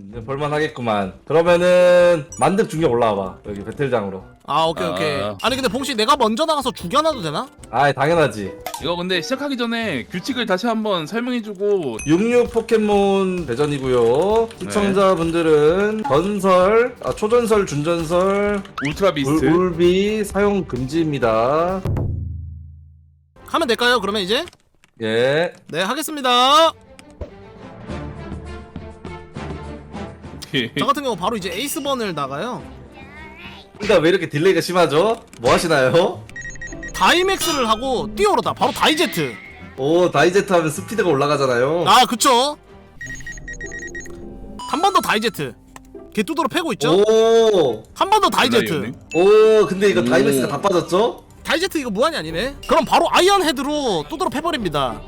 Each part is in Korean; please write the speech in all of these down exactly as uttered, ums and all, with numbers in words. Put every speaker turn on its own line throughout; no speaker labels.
이제 볼만하겠구만. 그러면은 만렙 중력 올라와봐. 여기 배틀장으로.
아 오케이
아.
오케이. 아니 근데 봉씨 내가 먼저 나가서 죽여놔도 되나?
아이 당연하지.
이거 근데 시작하기 전에 규칙을 다시 한번 설명해주고.
육육 포켓몬 대전이고요. 시청자분들은 전설, 아, 초전설, 준전설,
울트라 비스트.
울, 울비 사용 금지입니다.
하면 될까요? 그러면 이제
예.
네 하겠습니다. 저 같은 경우 바로 이제 에이스번을 나가요.
그러니까 왜 이렇게 딜레이가 심하죠? 뭐 하시나요?
다이맥스를 하고 뛰어오르다 바로 다이제트.
오, 다이제트 하면 스피드가 올라가잖아요.
아 그쵸. 한 번 더 다이제트. 개뚜드로 패고 있죠?
오,
한 번 더 다이제트.
오, 근데 이거
오.
다이맥스가 다 빠졌죠?
다이제트 이거 무한이 아니네. 그럼 바로 아이언 헤드로 뚜드러 패버립니다.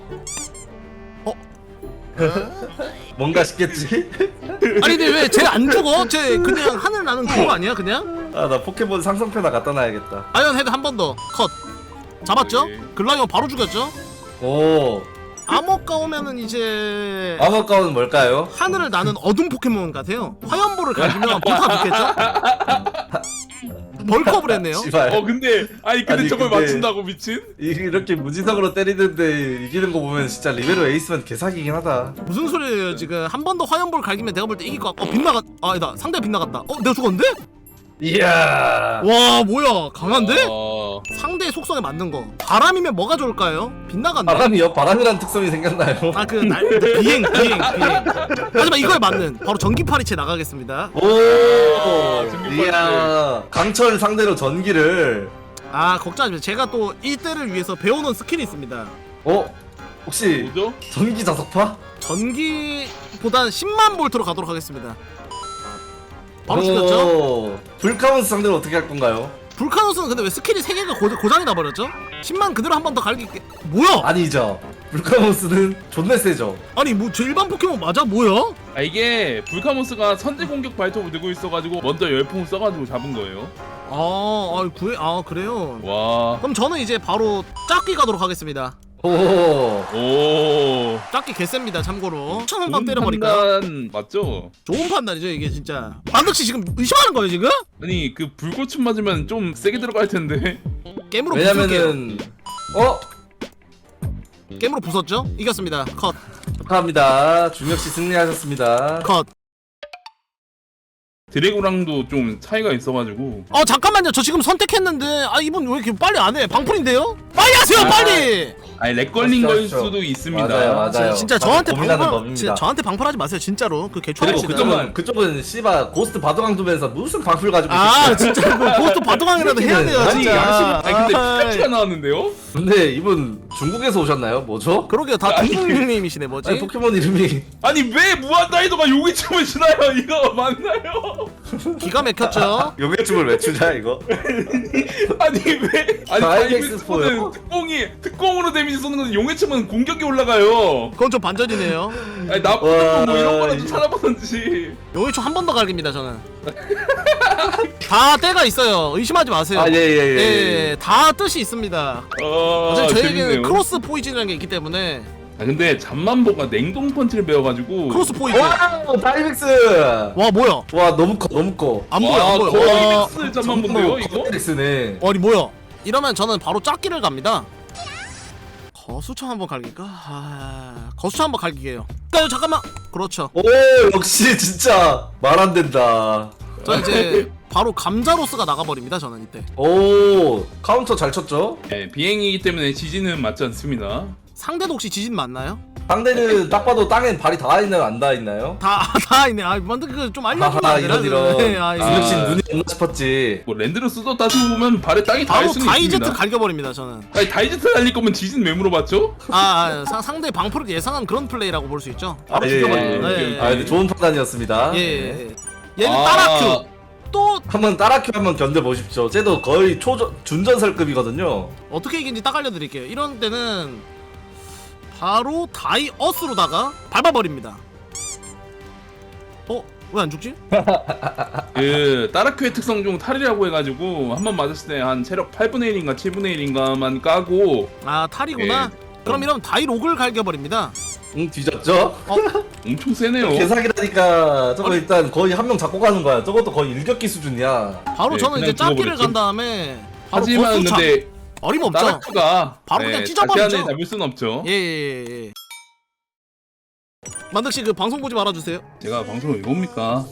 뭔가 싶겠지?
아니 근데 왜 쟤 안 죽어? 쟤 그냥 하늘 나는 그거 아니야 그냥?
아, 나 포켓몬 상성표나 갖다 놔야겠다.
아이언 헤드 한 번 더 컷. 잡았죠?
오케이.
글라이언 바로 죽였죠?
오,
암호가 오면은 이제
암호가운은 뭘까요?
하늘을 나는 어둠 포켓몬 같아요. 화염볼을 가지면 보타 죽겠죠? 벌컵을 했네요.
씨발.
어 근데 아니 근데
아니,
저걸
근데-
맞춘다고 미친?
이- 이렇게 무지성으로 때리는데 이기는 거 보면 진짜 리베로 에이스면 개사기긴 하다.
무슨 소리예요 지금. 한 번 더 화염볼 갈기면 내가 볼 때 이길 것 같... 어 빗나갔... 아 아니다 상대 빗나갔다. 어 내가 죽었는데?
이야.
와 뭐야 강한데?
어...
상대의 속성에 맞는 거. 바람이면 뭐가 좋을까요? 빗나갔네.
바람이요? 바람이란 특성이 생겼나요?
아 그 날 비행 비행 비행. 하지만 이거에 맞는 바로 전기파리채 나가겠습니다.
오,
전기파리채.
이야. 강철 상대로 전기를.
아 걱정하지 마세요. 제가 또 이때를 위해서 배워놓은 스킬이 있습니다.
어? 혹시
뭐죠?
전기 자석파?
전기보단 십만 볼트로 가도록 하겠습니다. 바로 죽였죠?
오, 불카운스 상대로 어떻게 할 건가요?
불카노스는 근데 왜 스킬이 세 개가 고, 고장이 나버렸죠? 십만 그대로 한 번 더 갈길게. 뭐야?
아니죠. 불카운스는 존나 세죠.
아니 뭐 저 일반 포켓몬 맞아? 뭐야?
아 이게 불카모스가 선제 공격 발톱을 들고 있어가지고 먼저 열풍 써가지고 잡은 거예요.
아, 아 구해 아 그래요.
와.
그럼 저는 이제 바로 짝기 가도록 하겠습니다.
오,
오.
짝기 개셉니다. 참고로 천 한 방
좋은
때려버릴까?
판단 맞죠?
좋은 판단이죠 이게 진짜. 만덕씨 지금 의심하는 거예요 지금?
아니 그 불꽃춤 맞으면 좀 세게 들어갈 텐데.
게임으로 부술게요.
왜냐면은 어?
게임으로 부쉈죠? 이겼습니다. 컷.
축하합니다. 중력씨 승리하셨습니다.
컷.
드래곤랑도 좀 차이가 있어가지고.
어 잠깐만요. 저 지금 선택했는데 아 이분 왜 이렇게 빨리 안 해? 방풀인데요? 빨리 하세요
아,
빨리.
아니 렉 걸린 걸
하시죠.
수도 있습니다.
맞아요, 맞아요.
진짜, 진짜
다들
저한테
고민하는
방풀
법입니다.
진짜 저한테 방풀하지 마세요 진짜로. 그
그리고
개초합시다.
그쪽은 그쪽은 씨바 고스트 바둑왕 두면서 무슨 방풀 가지고
아
있겠어요.
진짜 그 고스트 바둑왕이라도 해야 돼요
아니
진짜.
양심. 아니 근데
아이.
피카츄가 나왔는데요?
근데 이분 중국에서 오셨나요? 뭐죠?
그러게요 다 중국님이시네 뭐지?
아니 포켓몬 이름이
아니 왜 무한다이도가 여기 춤을 추나요? 이거 맞나요?
기가 막혔죠?
요괴춤을 왜 추냐 이거?
아니 왜? 아니
다이맥스
다이맥스포는
포요?
특공이 특공으로 데미지 쏘는 건데 용해춤은 공격이 올라가요.
그건 좀 반전이네요.
아니 나쁜
와,
뭐 이런 거라도
이-
찾아보든지.
용의초 한 번 더 갈깁니다 저는. 다 때가 있어요. 의심하지 마세요.
아, 예, 예, 예,
예, 다 뜻이 있습니다.
어,
어차피 저에게는
재밌네요.
크로스 포이즌이라는 게 있기 때문에.
아 근데 잠만보가 냉동 펀치를 배워가지고.
크로스 포이즌.
와 다이맥스.
와 뭐야?
와 너무 커 너무 커.
안 보여
와,
안 보여. 와,
거의 잠만 본데요 이거?
다이맥스네.
아니 뭐야? 이러면 저는 바로 짝기를 갑니다. 거수청 한번 갈길까? 아, 거수청 한번 갈기게요. 야, 잠깐만. 그렇죠.
오 역시 진짜 말 안 된다.
저 이제 바로 감자로스가 나가버립니다. 저는 이때.
오 카운터 잘 쳤죠?
네, 비행이기 때문에 지진은 맞지 않습니다.
상대도 혹시 지진 맞나요?
상대는 딱 봐도 땅엔 발이 닿아 있나요? 안 닿아 있나요?
다, 다 있네. 아, 만든 그좀 알려주면
하하
안 되나?
이런 이런.
네, 아,
중력씨
이거.
아.
눈이 없나 싶었지.
뭐 랜드로스도 따지고 보면 발에 땅이 닿을
바로
수는
다이제트
있습니다.
갈겨버립니다. 저는.
아니 다이제트 달릴 거면 지진 왜 물어봤죠?
아, 아 사, 상대 방풀을 예상한 그런 플레이라고 볼 수 있죠. 바로
아, 예,
죽여버립니다.
예,
예,
예.
아 근데 좋은 판단이었습니다.
예, 예, 예. 얘는
아.
따라큐. 또
한번 따라큐 한번 견뎌보십시오. 쟤도 거의 초전 준전설급이거든요.
어떻게 이긴지 딱 알려드릴게요. 이런 때는 바로 다이어스로다가 밟아버립니다. 어? 왜 안 죽지?
그 따라큐의 특성 중 탈이라고 해가지고 한 번 맞았을 때 한 체력 팔분의 일인가 칠분의 일인가만 까고
아 탈이구나. 그럼 이러면 다이록을 갈겨버립니다.
응 뒤졌죠?
엄청 세네요.
개사기라니까 저거
아니.
일단 거의 한 명 잡고 가는 거야. 저것도 거의 일격기 수준이야.
바로
네,
저는 이제
그냥
짭기를
죽어버렸죠.
간 다음에 바로
하지만
거수차.
근데
어림없죠.
나라크가
바로 그냥 찢어버리죠.
다시 안에 잡을 순 없죠.
예예예. 예, 예. 만덕씨 그 방송 보지 말아주세요.
제가 방송을 왜 봅니까?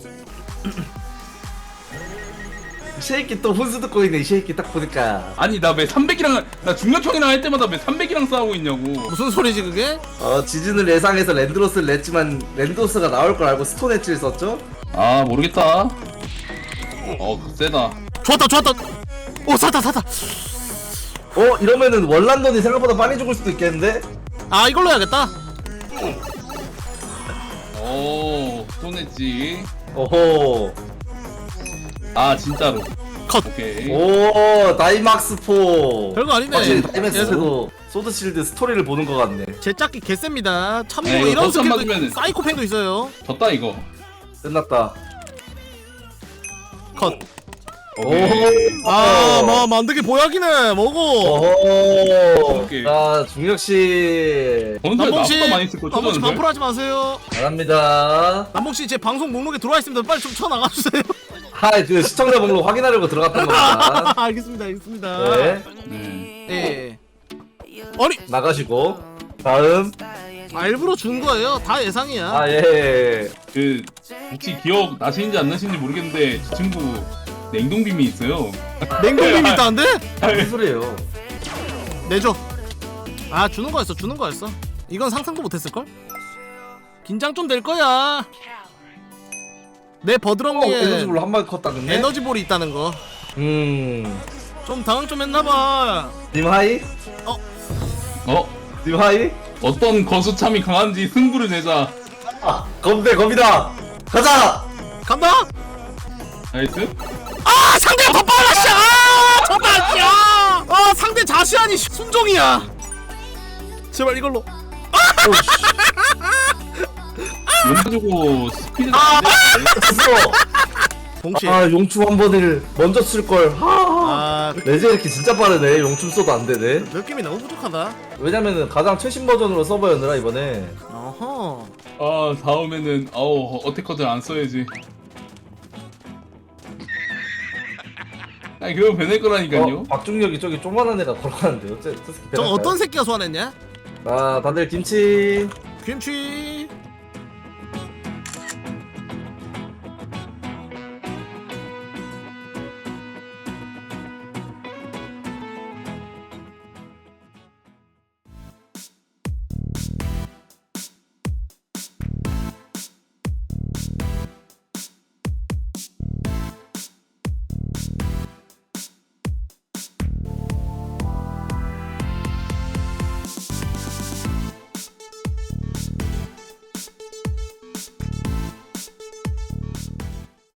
쉐이키 또 훈수 듣고 있네. 이 쉐이키 딱 보니까.
아니 나 왜 삼백이랑 나 중력형이랑 할 때마다 왜 삼백이랑 싸우고 있냐고.
무슨 소리지 그게?
어 지진을 예상해서 랜드로스를 냈지만 랜드로스가 나올 걸 알고 스톤 엣지를 썼죠?
아 모르겠다. 어 세다.
좋았다 좋았다. 오 샀다 샀다.
어 이러면은 월란돈이 생각보다 빨리 죽을 수도 있겠는데?
아 이걸로 해야겠다.
오 손했지.
오호.
아 진짜로.
컷.
오케이.
오 다이막스포.
별거 아니네.
확실히 다이맥스도 소드실드 스토리를 보는 것 같네.
제 짝기 개셉니다. 참고로
네, 이거
이런
버스 안
스킬도
맞으면은-
사이코팽도 있어요.
졌다 이거.
끝났다.
컷.
오케이.
아, 뭐 만드기 보약이네. 먹어.
오호.
오케이.
자 중력씨
건설
남봉씨,
나보다 많이 쓸 거.
남봉씨
초반설.
반풀하지 마세요.
잘합니다.
남봉씨 제 방송 목록에 들어와 있습니다. 빨리 좀 쳐 나가 주세요.
하이 그 시청자 목록 확인하려고 들어갔던 겁니다.
알겠습니다, 알겠습니다.
네
네.
예. 아니,
나가시고 다음
아, 일부러 준 거예요. 다 예상이야.
아 예.
그 혹시 기억 나시는지 안 나시는지 모르겠는데 저 친구 냉동빔이 있어요.
냉동빔 있다는데?
무슨 소리예요?
내줘. 아, 주는 거였어, 주는 거였어. 이건 상상도 못했을 걸? 긴장 좀 될 거야. 내
어,
버드렁니에
에너지볼로 한 마리 컸다 근데.
에너지볼이 있다는 거.
음.
좀 당황 좀 했나봐.
님 하이?
어?
님 하이?
어떤 거수참이 강한지 승부를 내자.
아 검대 검이다. 가자.
간다.
나이스.
아, 상대가 더 빨라, 씨! 아, 정말, 야! 아, 상대 자시안이 순종이야. 제발 이걸로.
용 가지고 스피드
아!
안 돼.
됐어.
동시에.
아 용춤 한 번을 먼저 쓸 걸. 하.
아,
레제 이렇게 진짜 빠르네. 용춤 써도 안 되네.
느낌이 너무 부족하다.
왜냐면은 가장 최신 버전으로 서버였느라 이번에.
어허.
아 다음에는 아우 어택커들 안 써야지. 아니 그거 변할 거라니까요.
어, 박중력이 저기 조만한 애가 걸어가는데 어째 저 새끼
저
배달까요?
어떤 새끼가 소환했냐?
아 다들 김치.
김치.